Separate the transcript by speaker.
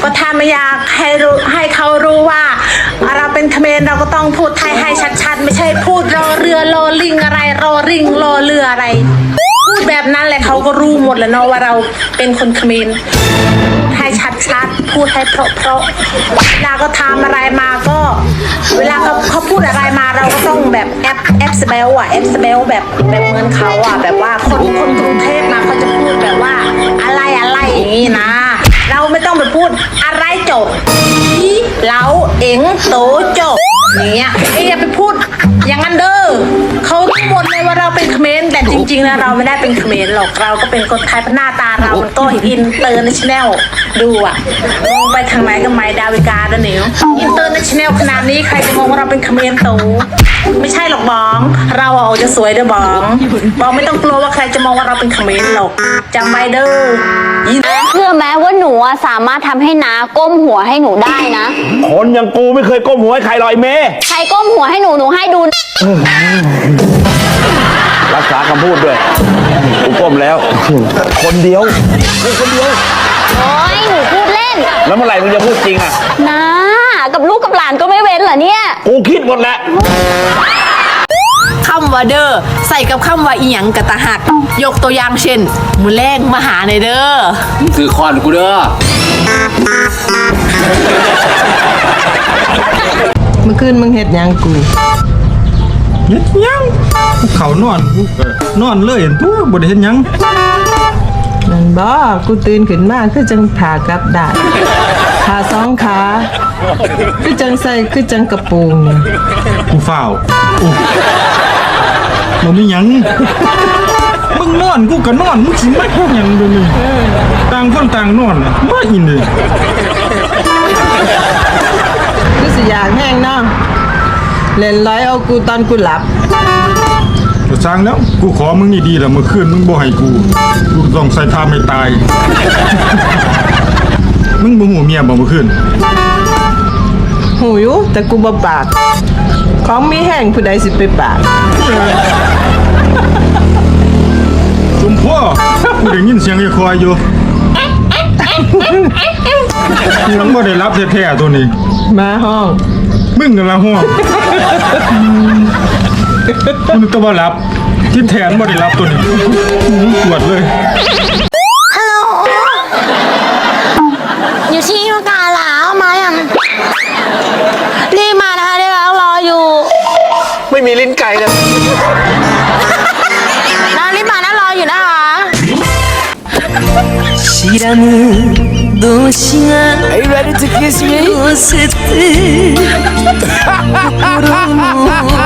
Speaker 1: ก็ถ้าไม่อยากให้เขารู้ว่าเราเป็นเขมรเราก็ต้องพูดไทยให้ชัดๆไม่ใช่พูดรอเรือรอลิงอะไรรอริงรอเรืออะไรพูดแบบนั้นแหละเขาก็รู้หมดแล้วเนาะว่าเราเป็นคนเขมรให้ชัดๆพูดให้เพราะเวลาก็ทำอะไรมาก็เวลาเขาพูดอะไรมาเราก็ต้องแบบแอปสเปลอะแอปสเปลแบบเหมือนเขาอะแบบว่าคนกรุงเทพมาเขาจะพูดแบบว่าอะไรอย่างนี้นะเราไม่ต้องไปพูดอะไรจบอีเหลาเอ็งโตจบอย่างเงี้ยอย่าไปพูดอย่างนั้นเด้อเขาหมดเลยว่าเราเป็นเขมรแต่จริงๆนะเราไม่ได้เป็นเขมรหรอกเราก็เป็นคนไทยหน้าตาเรามันก็อินเตอร์เนชั่นแนลดูอะมองไปทางไหนก็ไม่ดาวิกาด้วเนี่ยอินเตอร์เนชั่นแนลขนาดนี้ใครจะมองว่าเราเป็นเขมรโตไม่ใช่หรอกบองเราเอาจะสวยเด้อบองไม่ต้องกลัวว่าใครจะมองว่าเราเป็นเขมรหรอกจำไว้เด้อ
Speaker 2: เชื่อไหมว่าหนูสามารถทำให้น้าก้มหัวให้หนูได้นะ
Speaker 3: คนอย่างกูไม่เคยก้มหัวให้ใครหรอกไอ้เมย์
Speaker 2: ใครก้มหัวให้หนูให้ดู
Speaker 3: รักษาคำพูดด้วยกูก้มแล้ว คนเดียวคนเดียว
Speaker 2: โอ้ยหนูพูดเล่น
Speaker 3: แล้วเมื่อไหร่มึงจะพูดจริงอ่ะ
Speaker 2: น้ากับลูกกับหลานก็ไม่เว้นเหรอเนี่ย
Speaker 3: กูคิดหมดแล้ว
Speaker 4: คำว่าเด้อใส่กับคำว่าอีหยังกะตะหัก ยกตัวอย่างเช่นมือแรงมาหาในเด้อ
Speaker 5: ซื้อคอนกูเด้อ
Speaker 6: เมื่อคืนมึงเฮ็ดหยังกู
Speaker 7: เฮ็ดหยังเขานอนกูก็นอนเลยตัวบ่ได้เฮ็ดหยัง
Speaker 6: นั่นบ่กูตื่นขึ้นมาคือจังผากลับได้ขาสองขาคือจังใส่คือจังกระโปรงนี่
Speaker 7: กูฝ้าวอู้บ่มีหยังมึงนอนกูก็นอนมึงสิมาเฮ็ดหยังเดี๋ยวนี้ต่างคนต่างนอนน่ะบ่อินเลย
Speaker 6: คือสิอยากแห้งเนาะเล่นร้อยเอากูตอนกูหลับ
Speaker 7: ก็สร้างแล้วกูขอมึงนี่ดีแล้วเมื่อคืนมึงบ่ให้กูต้องใส่ท่าไม่ตาย มึงบ่ฮู้เมียบ่เมื่อคืน
Speaker 6: หูอยู่แต่กูบ่ปากของมีแห้งผู้ใดสิไปปาก
Speaker 7: จุมพ่อกูได้ยินเสียงไอ้ควายอยู่ยังบ่ได้รับแท้ๆตัวนี้
Speaker 6: มาห้อง
Speaker 7: มึงกันละห้องมึงก็บ่รับที่แทนบ่ได้รับตัวนี้ปวดเลย
Speaker 2: ฮัลโหลอยู่ที่มกาลามาอย่างรีบมานะคะเดี๋ยวเรารออยู่
Speaker 5: ไม่มีลิ้นไก่เลย
Speaker 2: นะรีบมานะรออยู่นะคะ
Speaker 8: 知らぬ動詞が Are you ready to kiss me? 寄せて心の